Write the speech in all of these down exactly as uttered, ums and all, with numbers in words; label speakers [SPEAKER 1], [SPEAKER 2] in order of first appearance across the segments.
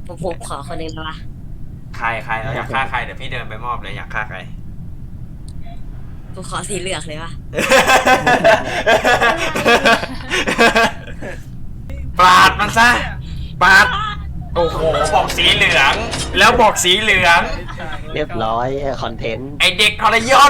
[SPEAKER 1] ผมผมขอคนหนึ่งนะวะ
[SPEAKER 2] ใครใครเราอยากฆ่าใครเดี๋ยวพี่เดินไปมอบเลยอยากฆ่าใคร
[SPEAKER 1] ผมขอสีเหลืองเลยวะ
[SPEAKER 2] ปาดมันซะปาดโอ้โหบอกสีเหลือง แล้วบอกสีเหลือง
[SPEAKER 3] เรียบร้อยคอนเทนต์
[SPEAKER 2] ไอเด็กทรยศ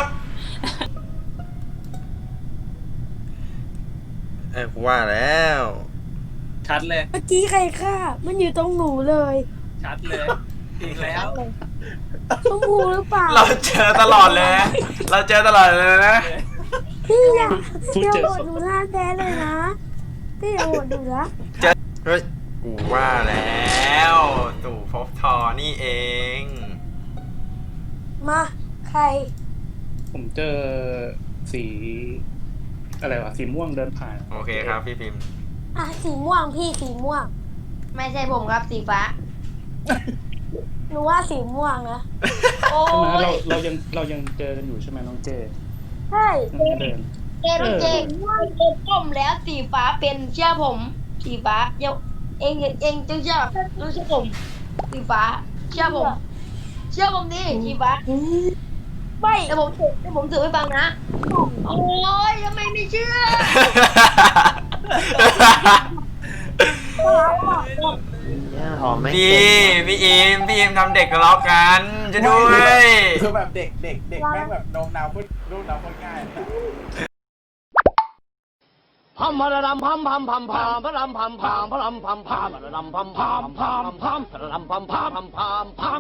[SPEAKER 2] เออกูว่าแล้ว
[SPEAKER 4] ชัดเลย
[SPEAKER 5] เมื่อกี้ใครฆ่า มันอยู่ตรงหนูเลย
[SPEAKER 4] ชัดเลยอีกแล้ว
[SPEAKER 5] ชมพูหรือเปล่า
[SPEAKER 2] เราเจอตลอดเลยนะเราเจอตลอดเลยนะ
[SPEAKER 5] พี่อย่าอย่าโหวตหนูหน้าแท้เลยนะ พี่อย่าโหวตหนูนะ
[SPEAKER 2] เฮ้ยกูว่าแล้วตู่ภพบทอนี่เอง
[SPEAKER 5] มาใคร
[SPEAKER 6] ผมเจอสี อะไรวะ สีม่วงเดินผ่าน
[SPEAKER 2] โอเคครับพี่พิมพ์
[SPEAKER 5] อ่ะสีม่วงพี่สีม่วง
[SPEAKER 7] ไม่ใช่ผมครับสีฟ้า
[SPEAKER 5] หนูว่าสีม่วงนะ
[SPEAKER 7] โอ้
[SPEAKER 6] ใช่ไหมเรา
[SPEAKER 7] ย
[SPEAKER 6] เรายังเรายังเจอกันอยู่ใช่ไหมน้องเจ
[SPEAKER 5] ใช่
[SPEAKER 6] น้องเดิน
[SPEAKER 7] เจนเจงเจนก้มแล้วสีฟ้าเป็นเชื่อผม สีฟ้าเดี๋ยวเองเองต้องเชื่อต้องเชื่อผม สีฟ้า เชื่อผม เชื่อผมดิสีฟ้า
[SPEAKER 5] ไม่
[SPEAKER 7] แต่ผมถือแต่ผมถือไว้ฟังนะ โอ้ยทำไมไม่เชื่อ
[SPEAKER 3] หอมไหม
[SPEAKER 2] พี่พี่อิมพี่อิมทำเด็กทะเลาะกันจะด้วย
[SPEAKER 4] คือแบบเด็กเด็กเด็กแม่งแบบโน้มน้าวพูดรูปน้าวพูดง่าย
[SPEAKER 3] พัมพะระดำพัมพัมพัมพัมพะรำพัมพัมพะรำพัมพัมพะระดำพัมพัมพัมพัมพะระดำพัมพัมพัมพัมพัม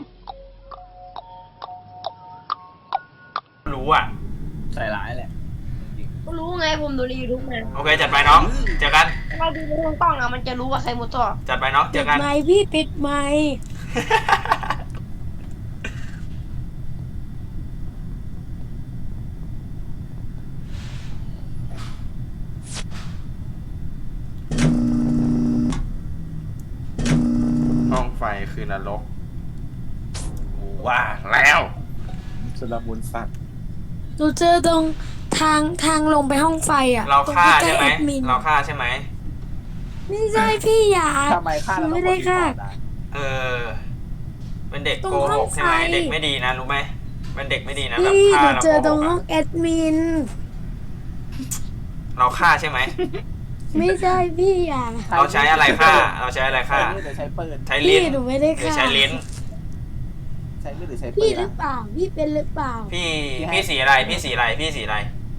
[SPEAKER 2] รู้อ่ะ
[SPEAKER 4] ใส่ร้ายแหละ
[SPEAKER 7] ก็รู้ไงผมดูในยูทูบมา
[SPEAKER 2] โอเคจัดไปน้องเจอกัน
[SPEAKER 7] เราดูในห้องกล้องอะมันจะรู้ว่าใครมุดต่อ
[SPEAKER 2] จัดไปน้องเจ
[SPEAKER 5] ปิ
[SPEAKER 2] อ
[SPEAKER 5] ด
[SPEAKER 2] กัน
[SPEAKER 5] ไมค์พี่ปิดไมค์
[SPEAKER 2] ห้องไฟคือนรกกูว่าแล้ว
[SPEAKER 4] สุลมุนสัตว์
[SPEAKER 5] หนูเจอตรงทางทางลงไปห้องไฟอ่ะ
[SPEAKER 2] เราฆ่า
[SPEAKER 5] ตรง
[SPEAKER 2] ใช่ไหม
[SPEAKER 5] แอดมิน
[SPEAKER 2] เราฆ่าใช่ไหม
[SPEAKER 5] ไม่ใช่พี่อย่า
[SPEAKER 4] ทำไมฆ่า
[SPEAKER 5] หนู
[SPEAKER 4] แล้ว
[SPEAKER 5] ไม่ได้ฆ่า
[SPEAKER 2] เออ เป็นเด็ก
[SPEAKER 5] ตรง
[SPEAKER 2] โก
[SPEAKER 5] ห้
[SPEAKER 2] ห
[SPEAKER 5] อง
[SPEAKER 2] กใช่ไหม
[SPEAKER 5] ไฟ
[SPEAKER 2] เด็กไม่ดีนะรู้ไหมเป็นเด็กไม่ดีนะแบบ
[SPEAKER 5] พี่ห
[SPEAKER 2] ฆ่า
[SPEAKER 5] นู
[SPEAKER 2] แล้ว
[SPEAKER 5] เจอ
[SPEAKER 2] โก
[SPEAKER 5] ตรง
[SPEAKER 2] หก
[SPEAKER 5] ห้อง
[SPEAKER 2] อะ
[SPEAKER 5] แอดมิน
[SPEAKER 2] เราฆ่าใช่ไหม
[SPEAKER 5] ไม่ใช่พี่อย่า
[SPEAKER 2] เราใช้อะไรฆ่า เราใช้อะไร
[SPEAKER 4] ใช้
[SPEAKER 2] ฆ่า
[SPEAKER 4] มีดหรือใช้ปืน
[SPEAKER 2] ใช้
[SPEAKER 5] พี่
[SPEAKER 2] ลิ้น
[SPEAKER 5] หนูไม่ได้
[SPEAKER 2] หรือ
[SPEAKER 5] ฆ่า
[SPEAKER 2] ใช้ลิ้น
[SPEAKER 4] ใช้มีดหรือใช้ปื
[SPEAKER 5] พี่
[SPEAKER 4] น
[SPEAKER 5] หรือเปล่า พี่เป็นหรือเปล่า
[SPEAKER 2] พี่พี่สีอะไร พี่สีอะไร พี่สีอะไร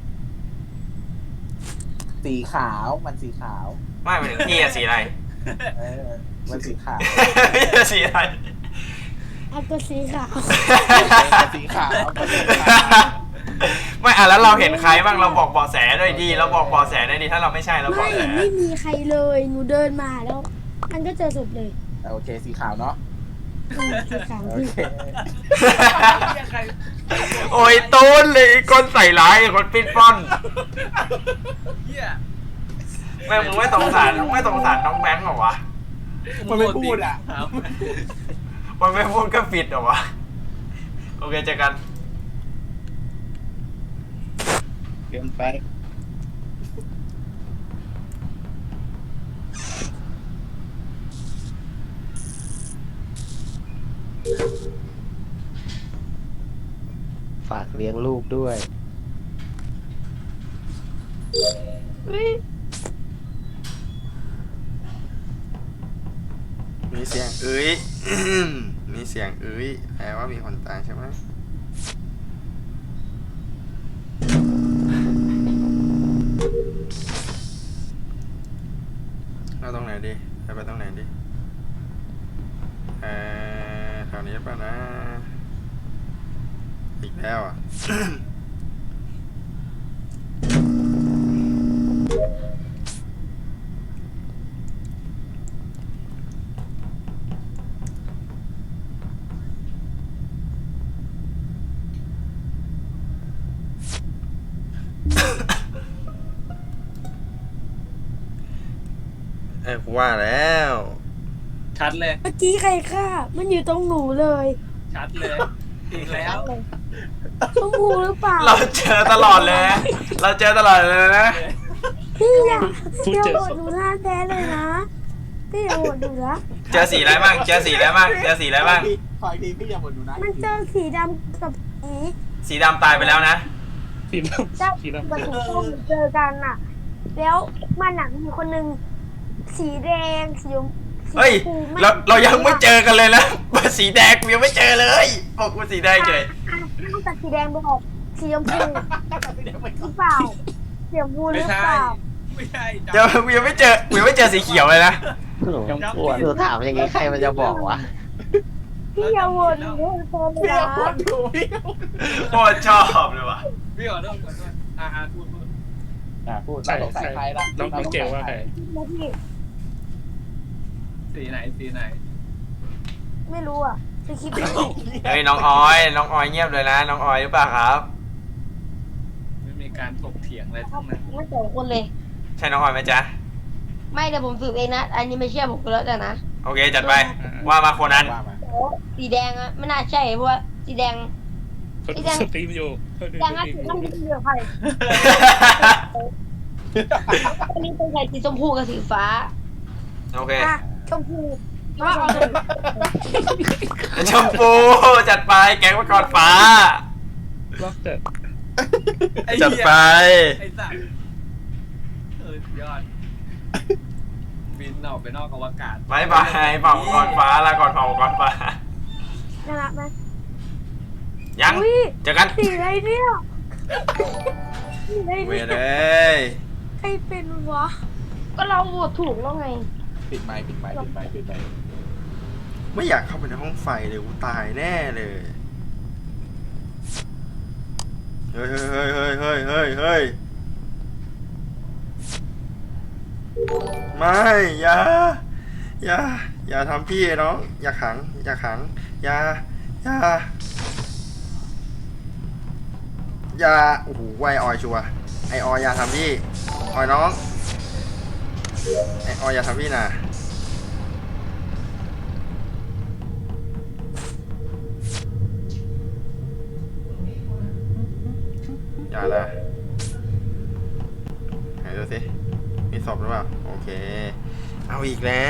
[SPEAKER 4] สีขาวมันสีขาว
[SPEAKER 2] ไม่หมายถึงพี่อะสีอะไร
[SPEAKER 4] เออมันสีขาว
[SPEAKER 2] พี่อะสีอะไร
[SPEAKER 5] อัก็สีขาว
[SPEAKER 4] มันสีขาวมันสีขาว
[SPEAKER 2] ไม่อ่ะแล้วเราเห็นใครบ้างเราบอกเบาะแสด้วยดีเราบอกเบาะแสด้วยดีถ้าเราไม่ใช่เราบ
[SPEAKER 5] ไม่
[SPEAKER 2] อกแส
[SPEAKER 5] ไม่มีใครเลย หนูเดินมาแล้ว มันก็เจอศพเลย
[SPEAKER 4] โอเคสีขาวเนาะ
[SPEAKER 5] อืมสีขาว
[SPEAKER 4] โอ
[SPEAKER 5] พี่
[SPEAKER 4] เค
[SPEAKER 2] โอ้ยตูนเลยคนใส่ร้ายคนปิ้นป้อนแม่มึงไม่สงสารไม่สงสารน้องแบงค์เหรอวะ
[SPEAKER 4] มันไม่พูดอ่ะ
[SPEAKER 2] มันไม่พูดก็ปิดเหรอวะโอเคเจอกัน
[SPEAKER 6] เกินไป
[SPEAKER 3] ฝากเลี้ยงลูกด้วย
[SPEAKER 2] มีเสียงเอ้ย มีเสียงเอ้ยแปลว่ามีคนตายใช่ไหมเราตรงไหนดีไปไปตรงไหนดีเออแถวนี้ป่ะนะ อีกแล้วอ่ะ เออกูว่าแล้ว
[SPEAKER 4] ชัดเลย
[SPEAKER 5] เมื่อกี้ใครฆ่า มันอยู่ตรงหนูเลย
[SPEAKER 4] ชัดเลยอีกแล้ว
[SPEAKER 5] ชมพูหรือเปล่า
[SPEAKER 2] เราเจอตลอดเลยนะเราเจอตลอดเลยนะ
[SPEAKER 5] พี่อย่าอย่าโหวตหนูหน้าแท้เลยนะ พี่พี่อย่าโหวตหนูนะ
[SPEAKER 2] เจอสีอะไรบ้างเจอสีอะไรบ้างเจอสีอะไรบ้าง
[SPEAKER 4] คอยดีพี่อย่าบ่นหนูนะ
[SPEAKER 5] มันเจอสีดำกับสี
[SPEAKER 2] สีดำตายไปแล้วนะ
[SPEAKER 6] สีด
[SPEAKER 5] เจ้า
[SPEAKER 6] ำสีดำ
[SPEAKER 5] กับสีส้มเจอกันน่ะ แล้วมันหนักมีคนหนึ่งสีแดงสีชมสี
[SPEAKER 2] เฮ้ย
[SPEAKER 5] ชมพูไม่
[SPEAKER 2] เราเรายังไม่เจอกันเลยนะมาสีแดงกูยังไม่เจอเลยบอกกูสีแดงเฉย
[SPEAKER 5] อ่ะนอกจากสีแดงบอกสีชมพูหรือเปล่าสีชมพูหรือเปล่า
[SPEAKER 4] ไม่ใช่
[SPEAKER 2] เจอกูยังไม่เจอกูยังไม่เจอสีเขียวเลยนะ
[SPEAKER 6] ยังป
[SPEAKER 8] ป
[SPEAKER 6] ว
[SPEAKER 8] ว
[SPEAKER 6] ด
[SPEAKER 8] ดดูถามอย่างงี้ใครมันจะบอกวะ
[SPEAKER 5] พี่อย่าโหวตหนูเพิ่มเลย
[SPEAKER 4] พี่อย่า
[SPEAKER 5] นะ
[SPEAKER 4] บ่นหนูพี่
[SPEAKER 2] โคตรชอบเลยว่ะ
[SPEAKER 4] พี่ขอโทษขอโทษอ่าพูดพูด
[SPEAKER 6] อ่ะ
[SPEAKER 4] พูด
[SPEAKER 6] ใช่
[SPEAKER 4] เราสงสัย
[SPEAKER 6] ใช่
[SPEAKER 4] ใครละ
[SPEAKER 6] น้องน้องเกลว่าใคร
[SPEAKER 5] นะพี่
[SPEAKER 4] สีไหนสีไหน
[SPEAKER 5] ไม่รู้อ่ะจะคิดไม่ออก
[SPEAKER 2] เฮ้ยน้องออยน้องออยเงียบเลยนะน้องออยหรือเปล่าครับ
[SPEAKER 4] ไม่มีการถกเถียงอะไรทั้งนั้น
[SPEAKER 7] ไม่สองคนเลย
[SPEAKER 2] ใช่น้องออยไหมจ๊ะ
[SPEAKER 7] ไม่เดี๋ยวผมสืบเองนะ อันนี้ไม่เชื่อผมก็แล้วแต่นะ
[SPEAKER 2] โอเคจัดไปว่ามาโคนัน
[SPEAKER 4] ว่ามา
[SPEAKER 7] โอ้สีแดงอะไม่น่าใช่เพราะว่าสีแดง
[SPEAKER 6] เขา
[SPEAKER 7] สี
[SPEAKER 6] ดู
[SPEAKER 7] แดง
[SPEAKER 6] สตรีมอยู่เขาดู
[SPEAKER 7] แด
[SPEAKER 6] ส
[SPEAKER 7] งอะ
[SPEAKER 6] ตรีม
[SPEAKER 7] สี
[SPEAKER 6] อ
[SPEAKER 7] น้ำ
[SPEAKER 6] ยู่
[SPEAKER 7] เงินเหลืองใครอันนี้เป็นใครสีชมพูกับสีฟ้า
[SPEAKER 2] โอเค
[SPEAKER 5] อ่ะชมพู
[SPEAKER 7] ว่าเอาเลย
[SPEAKER 2] ชมพูจัดไปแก๊งมังกรฟ้า
[SPEAKER 6] ล็อกเตอร์
[SPEAKER 2] จัดไป
[SPEAKER 4] ไอ้สัตว์เออยอดบินออกไปนอกอวกาศ
[SPEAKER 2] บายบายเป่ามังกรฟ้าลาก่อนเป่ามังกรฟ้า
[SPEAKER 5] น่ารักไหม
[SPEAKER 2] ยัง
[SPEAKER 5] อุ๊ย
[SPEAKER 2] เจอกัน
[SPEAKER 5] สีอะไรเนี่ยสีอะไร
[SPEAKER 2] เว
[SPEAKER 5] เนี่ย
[SPEAKER 2] รเลย
[SPEAKER 5] ใครเป็นวะ
[SPEAKER 7] ก็เราโหวตถูกแล้วไง
[SPEAKER 4] ปิดไมค์ปิดไมค์ปิดไมค์ปิดไมค์
[SPEAKER 2] ไม่อยากเข้าไปในห้องไฟเลยกูตายแน่เลยเฮ้ยเฮ้ยเฮ้ยเฮ้ยเฮ้ยเฮ้ยไม่อย่าอย่าอย่าทำพี่ไอ้น้องอย่าขังอย่าขังอย่าอย่าอย่าโอ้โหไวออยชัวร์ไอออยอย่าทำพี่ออยน้องไอออยอย่าทำพี่นะอย่าละไหนดูสิมีศพหรือเปล่าโอเคเอาอีกแล้ว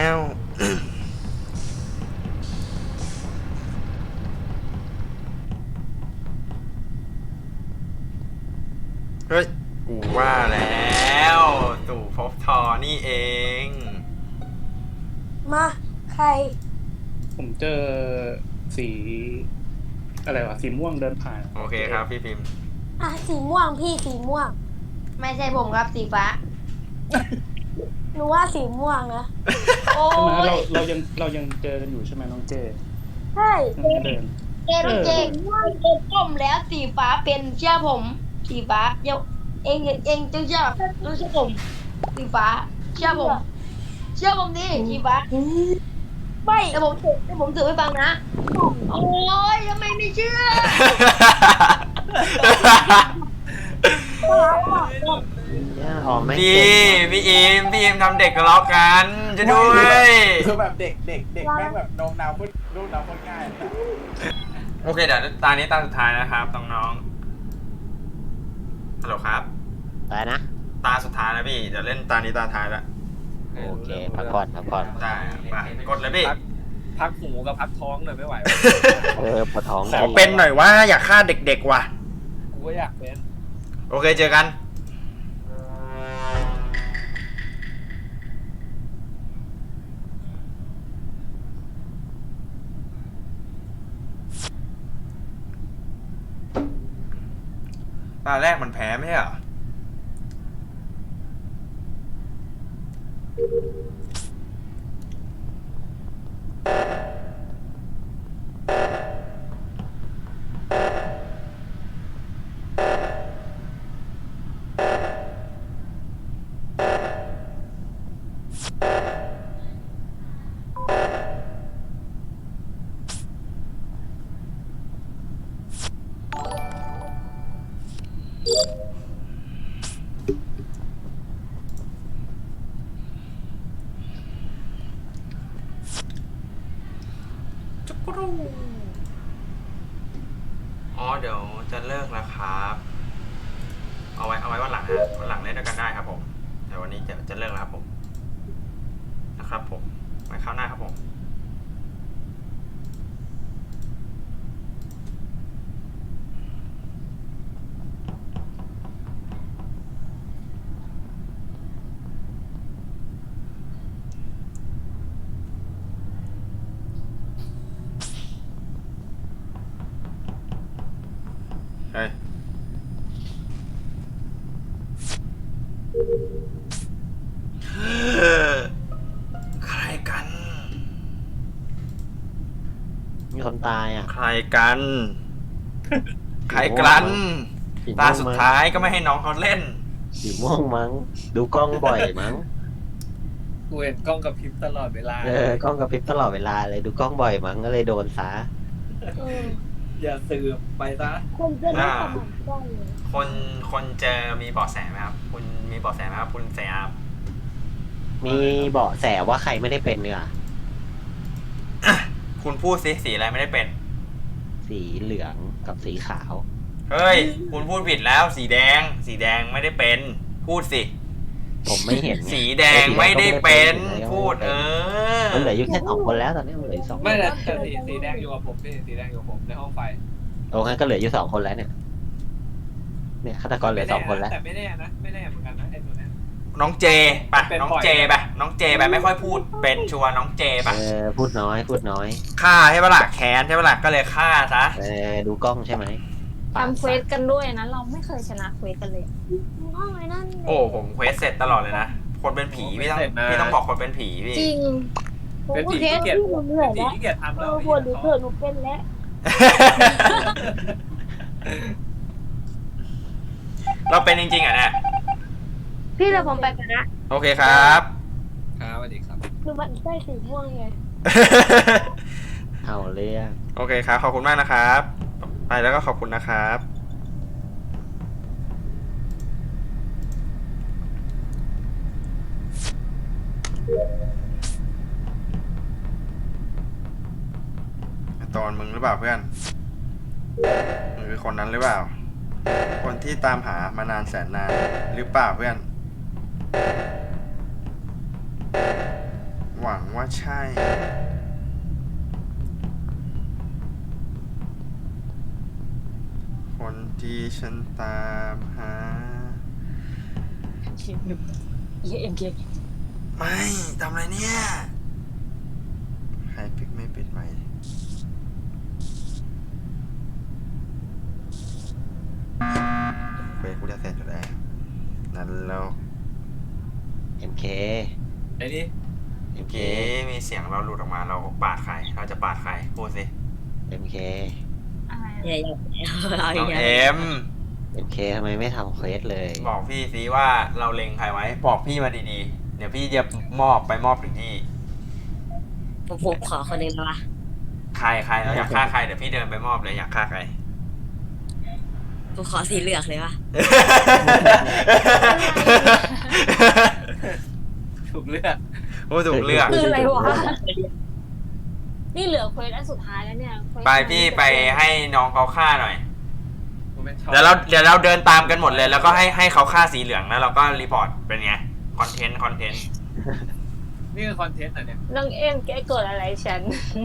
[SPEAKER 2] เฮ้ยกูว่าแล้วตู่พบทอนี่เอง
[SPEAKER 5] มาใคร
[SPEAKER 6] ผมเจอสีอะไรวะสีม่วงเดินผ่าน
[SPEAKER 2] โอเคครับพี่พิมพ์
[SPEAKER 5] อ่ะสีม่วงพี่สีม่วง
[SPEAKER 7] ไม่ใช่ผมครับสีฟ้า
[SPEAKER 5] หนูว่าสีม่วงนะ
[SPEAKER 7] โอ้
[SPEAKER 6] ใช่ไหมเรา
[SPEAKER 7] ย
[SPEAKER 6] เรายังเรายังเจอกันอยู่ใช่ไหมน้องเจ
[SPEAKER 5] ใช่
[SPEAKER 6] น้องเดิน
[SPEAKER 7] เจนเจนเจนก้มแล้วสีฟ้าเป็นเชื่อผม สีฟ้าเดี๋ยวเองเองต้องเชื่อต้องเชื่อผม สีฟ้า เชื่อผม เชื่อผมดิสีฟ้า
[SPEAKER 5] ไม่
[SPEAKER 7] เดี๋ยวผมสืบเดี๋ยวผมสืบให้ฟังนะ โอ้ยทำไมไม่เชื่อ
[SPEAKER 8] อ๋อไม่
[SPEAKER 2] พี่พี่อิมพี่อิมทำเด็กทะเลาะกันจะด้วย
[SPEAKER 4] คือแบบเด็กเด็กเด็กแม่งแบบโน้มน้าวพูดรูปน้าวพูดง่ายเลย
[SPEAKER 2] โอเคเดี๋ยวตานี้ตาสุดท้ายนะครับน้องๆฮัลโหลครับ
[SPEAKER 8] ไปนะ
[SPEAKER 2] ตาสุดท้ายแล้วพี่เดี๋ยวเล่นตานี้ตาท้ายแล้ว
[SPEAKER 8] โอเคพักก่อนพักก่อน
[SPEAKER 2] ได้ไปกดเลยพี่
[SPEAKER 4] พักพักหูกับพักท้องเลยไม่ไหว
[SPEAKER 8] เออปวดท้อง
[SPEAKER 2] ขอเป็นหน่อยว่าอยากฆ่าเด็กๆว่ะ
[SPEAKER 4] กูก็อยากเป็น
[SPEAKER 2] โอเคเจอกันตาแรกมันแพ้ไม่ใช่เหรอจุกรูอ๋อเดี๋ยวจะเลิกแล้วครับ เอาไว้เอาไว้วันหลังฮะวันหลังเล่นด้วยกันได้ครับผมแต่วันนี้จะจะเลิกแล้วครับผมนะครับผมมาเข้าหน้าครับผมเฮ้ยใครกัน
[SPEAKER 8] มีคนตายอ่ะ
[SPEAKER 2] ใครกัน ใครกัน
[SPEAKER 8] สีม่วงมั้ง
[SPEAKER 2] ตาสุดท้ายก็ไม่ให้น้องเขาเล่น
[SPEAKER 8] สีม่วงมั้ง ดูกล้องบ่อยมั้ง
[SPEAKER 4] กูเห็นกล้องกับพริบตลอดเวลา
[SPEAKER 8] เออกล้องกระพริบตลอดเวลาเลยดูกล้องบ่อยมั้งก็เลยโดนซะ
[SPEAKER 5] เออ
[SPEAKER 4] อย่าสืบไปซะ
[SPEAKER 5] คนจะได้สมองกล้องเลย
[SPEAKER 2] คนคนเจอมีเบาะแสไหมครับ คุณมีเบาะแสไหมครับ คุณแสบ
[SPEAKER 8] มีเบาะแสว่าใครไม่ได้เป็นเนื้อ
[SPEAKER 2] คุณพูดสิสีอะไรไม่ได้เป็น
[SPEAKER 8] สีเหลืองกับสีขาว
[SPEAKER 2] เฮ้ย คุณพูดผิดแล้ว สีแดง สีแดงไม่ได้เป็น พูดสิ
[SPEAKER 8] ผมไม่เห็นไง
[SPEAKER 2] สีแดงไม่ได้เป็น พูดเออ
[SPEAKER 8] มันเหลืออยู่แค่สองคนแล้วตอนนี้มันเหลืออยู่สองคน
[SPEAKER 4] ไม่แต่แต่สีสีแดงอยู่กับผมพี่สีแดงอยู่กับผมในห้องไฟ
[SPEAKER 8] โอ้งั้นก็เหลืออยู่สองคนแล้วเนี่ย เนี่ยฆาตกรเหลือสองคนแล้ว
[SPEAKER 4] แต่ไม่แน่นะไม่แน่เหมือนกันนะไอ้ตัวเนี้ย
[SPEAKER 2] น้องเจปะ
[SPEAKER 4] เป็น
[SPEAKER 2] น้อง
[SPEAKER 4] บ่อย
[SPEAKER 2] เจปะน้องเจไปไม่ค่อยพูด เป็นชัวร์น้องเจปะ
[SPEAKER 8] เออพูดน้อยพูดน้อย
[SPEAKER 2] ฆ่าใช่ปะล่ะแค้นใช่ปะล่ะก็เลยฆ่าซะ
[SPEAKER 8] เออดูกล้องใช่ไหม
[SPEAKER 9] ทำเควสกันด้วยนะ เราไม่เคยชนะเควสกันเลย
[SPEAKER 5] ห้องไอ้นั่น
[SPEAKER 2] โอ้ผมเควสเสร็จตลอดเลยนะ คนเป็นผีพี่ต้อง
[SPEAKER 4] เสร็จนะ
[SPEAKER 2] พี่ต้องบอกคนเป็นผีพี่
[SPEAKER 9] จริง
[SPEAKER 5] ผม
[SPEAKER 4] เป็น
[SPEAKER 5] ก็
[SPEAKER 4] ผี
[SPEAKER 5] เทส
[SPEAKER 4] ขี้เกียจ
[SPEAKER 5] ที่หนูเหนื่อย
[SPEAKER 4] ผี
[SPEAKER 5] แล้ว
[SPEAKER 4] ขี้เกียจทำ
[SPEAKER 5] เอ
[SPEAKER 4] แล้ว
[SPEAKER 5] อปวดหนูเถอะหนูเป็นแล้ว
[SPEAKER 2] เราเป็นจริงๆอ่ะเนี่ย
[SPEAKER 5] พี่เราผมไปกันนะ
[SPEAKER 2] โอเคครับ
[SPEAKER 4] ครับสวัสดีครับ
[SPEAKER 5] หนูมันได้สีม่วงไง
[SPEAKER 8] เอาเรื่อง
[SPEAKER 2] โอเคครับ ขอบคุณมากนะครับ ไปแล้วก็ขอบคุณนะครับ ตอนมึงหรือเปล่าเพื่อนมึงคือคนนั้นหรือเปล่า คนที่ตามหามานานแสนนานหรือเปล่าเพื่อน หวังว่าใช่ คนที่ฉันตามหา
[SPEAKER 9] เอ็มเค
[SPEAKER 2] ไม่ทำอะไรเนี่ย ใครปิดไม่ปิดไหมค์เฟซกูจะเสร็จอยู่แล้วนั่นแล้ว
[SPEAKER 8] เอ็มเค
[SPEAKER 4] ไอ้นี่
[SPEAKER 8] เอ็มเค
[SPEAKER 2] เมื่อกี้มีเสียงเราหลุดออกมาเราปาดใคร เราจะปาดใคร พูดสิ
[SPEAKER 8] เอ็มเค
[SPEAKER 9] อะไร
[SPEAKER 1] อย่าอย่าเอา
[SPEAKER 2] น้อง
[SPEAKER 1] อย่า
[SPEAKER 2] เอ็ม
[SPEAKER 8] เอ็มเคทำไมไม่ทำเควสเลย
[SPEAKER 2] บอกพี่สิว่าเราเล็งใครไว้ บอกพี่มาดีๆ เดี๋ยวพี่จะมอบไปมอบถึงที่
[SPEAKER 1] ผมผมขอคนหนึ่งนะวะ
[SPEAKER 2] ใครใครเราอยากฆ่าใครเดี๋ยวพี่เดินไปมอบเลยอยากฆ่าใคร
[SPEAKER 1] ผมขอสีเหลืองเลยวะ
[SPEAKER 4] ถูกเลือก
[SPEAKER 2] โอ้ถูกเลือก
[SPEAKER 9] คืออะไรวะ นี่เหลือเควสอันสุดท้ายแล้วเนี่ยควส
[SPEAKER 2] ไปพี่ไปให้น้องเขาฆ่าหน่อย
[SPEAKER 4] กูเป็นช็อต
[SPEAKER 2] เดี๋ยวเราเดี๋ยวเราเดินตามกันหมดเลย แล้วก็ให้ให้เขาฆ่าสีเหลืองแล้วเราก็รีพอร์ตเป็นไง คอนเทนต์คอนเทนต์
[SPEAKER 4] นี่คือคอนเทนต์เหรอเนี่ย
[SPEAKER 9] น้องเอ็มแกเกิดอะไรฉัน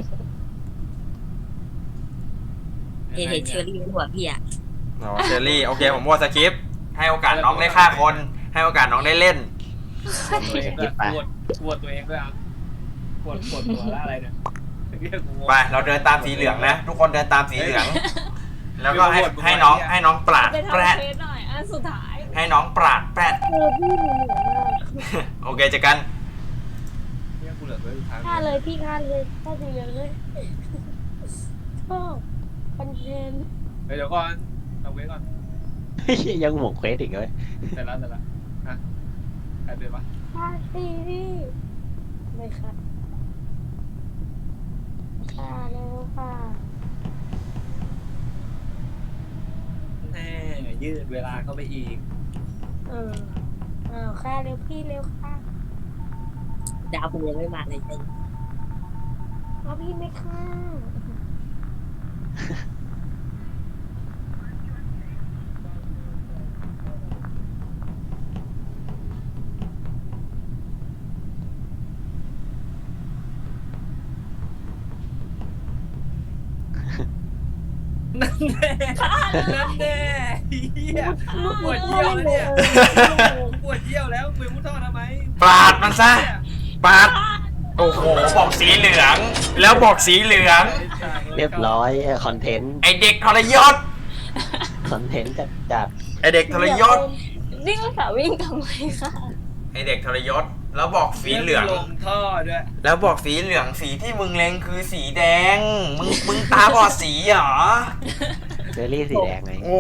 [SPEAKER 1] เห็นเห็นเชอรี่บนหัวพี่อะ
[SPEAKER 2] อ๋อเชอรี่โอเคผมวอดสคริปต์ให้โอกาสน้องได้ฆ่าคน ให้โอกาสน้องได้เล่น
[SPEAKER 4] ตัวเองด้วยปวดปวดตัวเองด้วยอ่ะปวดปวดตัวแล้วอะไรเนี่ยเรียกกูงง
[SPEAKER 2] ไปเราเดินตามสีเหลืองนะ ทุกคนเดินตามสีเหลือง แล้วก็ให้ให้น้องให้น้องปราด
[SPEAKER 9] ไปทำ
[SPEAKER 2] แปรด
[SPEAKER 9] เควสหน่อยอันสุดท้าย
[SPEAKER 2] ให้น้องปราดแปรด
[SPEAKER 5] เออพี่หนูเหนื่อยมาก
[SPEAKER 2] โอเคเจอกัน
[SPEAKER 4] เรียกกูเหลือไว้สุดท้าย
[SPEAKER 5] ฆ่าเลยพี่ฆ่าเลยฆ่าสีเหลืองเลยชอบคอนเทนต์
[SPEAKER 4] เดี๋ยวก่อนเอาไว้ก่อน
[SPEAKER 8] ยังห่วงเควสอีกเลย
[SPEAKER 4] เสร็จแล้วเสร็จแล้วฮะใครเป็นปะ
[SPEAKER 5] ฆ่าสีพี่ไม่ค่ะฆ่าแล้วค่ะ
[SPEAKER 4] แน่ยืดเวลาเข้าไปอีก
[SPEAKER 5] เอออ้าวฆ่าเร็วพี่เร็วค่ะ
[SPEAKER 1] ดาวผมยังไม่มาเลยจริง
[SPEAKER 5] เอาพี่ไม่ฆ่า
[SPEAKER 4] นั่นแน่นั่นแน่เหี้ยปวดเยี่ยวแล้วเนี่ยปวดเยี่ยวแล้วมือมุดท่อทำไม
[SPEAKER 2] ปาดมันซะปาดโอ้โหบอกสีเหลือง แล้วบอกสีเหลือง
[SPEAKER 8] เรียบร้อยคอนเทนต์
[SPEAKER 2] ไอเด็กทรยศ
[SPEAKER 8] คอนเทนต์จัดจัด
[SPEAKER 2] ไอเด็กทรยศ
[SPEAKER 9] วิ่งภาษาวิ่งทำไมคะ
[SPEAKER 2] ไอเด็กทรยศแล้วบอกสีเหลือง
[SPEAKER 4] ลงท่อด้วย
[SPEAKER 2] แล้วบอกสีเหลืองสีที่มึงเล็งคือสีแดง มึงมึงตาบอดสีเหรอ
[SPEAKER 8] เชอรี่สีแดงไง
[SPEAKER 2] โอ้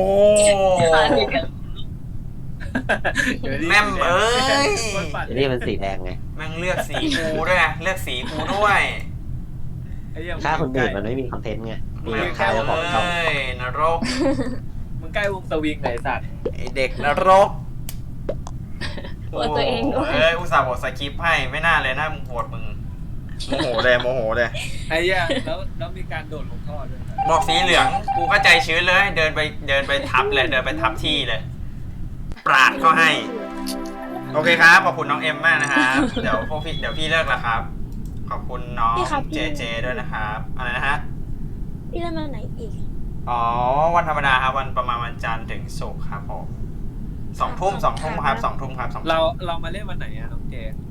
[SPEAKER 2] แม่มเอ้ย
[SPEAKER 8] เชอรี่มันสีแดงไง
[SPEAKER 2] แม่งเลือกสีกูด้วยนะเลือกสีกูด้วย
[SPEAKER 4] ไอ้เหี้ย
[SPEAKER 8] ถ้าคนอื่นมันไม่มีคอนเทนต์ไงมี
[SPEAKER 2] แม่ง
[SPEAKER 8] ค่าเจ้าของช่อง
[SPEAKER 2] เอ้ยนรก
[SPEAKER 4] มึงใกล้วงสวิงไหนสัตว์
[SPEAKER 2] ไอเด็กนรก
[SPEAKER 9] ปวดตัวเองด้วย
[SPEAKER 2] เอ้ยอุตส่าห์บทสคริปต์ให้ไม่น่าเลยน่ามึงโหดมึงโมโหเลยโมโหเลย
[SPEAKER 4] ไอ้เหี้ยแล้วแล้วมีการโดดลงท่อด้วย
[SPEAKER 2] บอกสีเหลืองกูก็ใจชื้นเลยเดินไปเดินไปทับเลยเดินไปทับที่เลย ปราดเขาให้ โอเคครับขอบคุณน้องเอ็มมากนะครับเดี๋ยวพวกพี่เดี๋ยวพี่เลิกแล้วครับ ขอบคุณน้อง
[SPEAKER 5] พี่ครับพี่
[SPEAKER 2] เจเจด้วยนะครับอะไรนะฮะ
[SPEAKER 5] พี่เล่นมาไหนอีก
[SPEAKER 2] อ๋อวันธรรมดาครับวันประมาณวันจันทร์ถึงศุกร์ครับผมสองทุ่มสองทุ่มครับสองทุ่มครับสองทุ่ม
[SPEAKER 4] เราเรามาเล่นวันไหนอะน้องเจ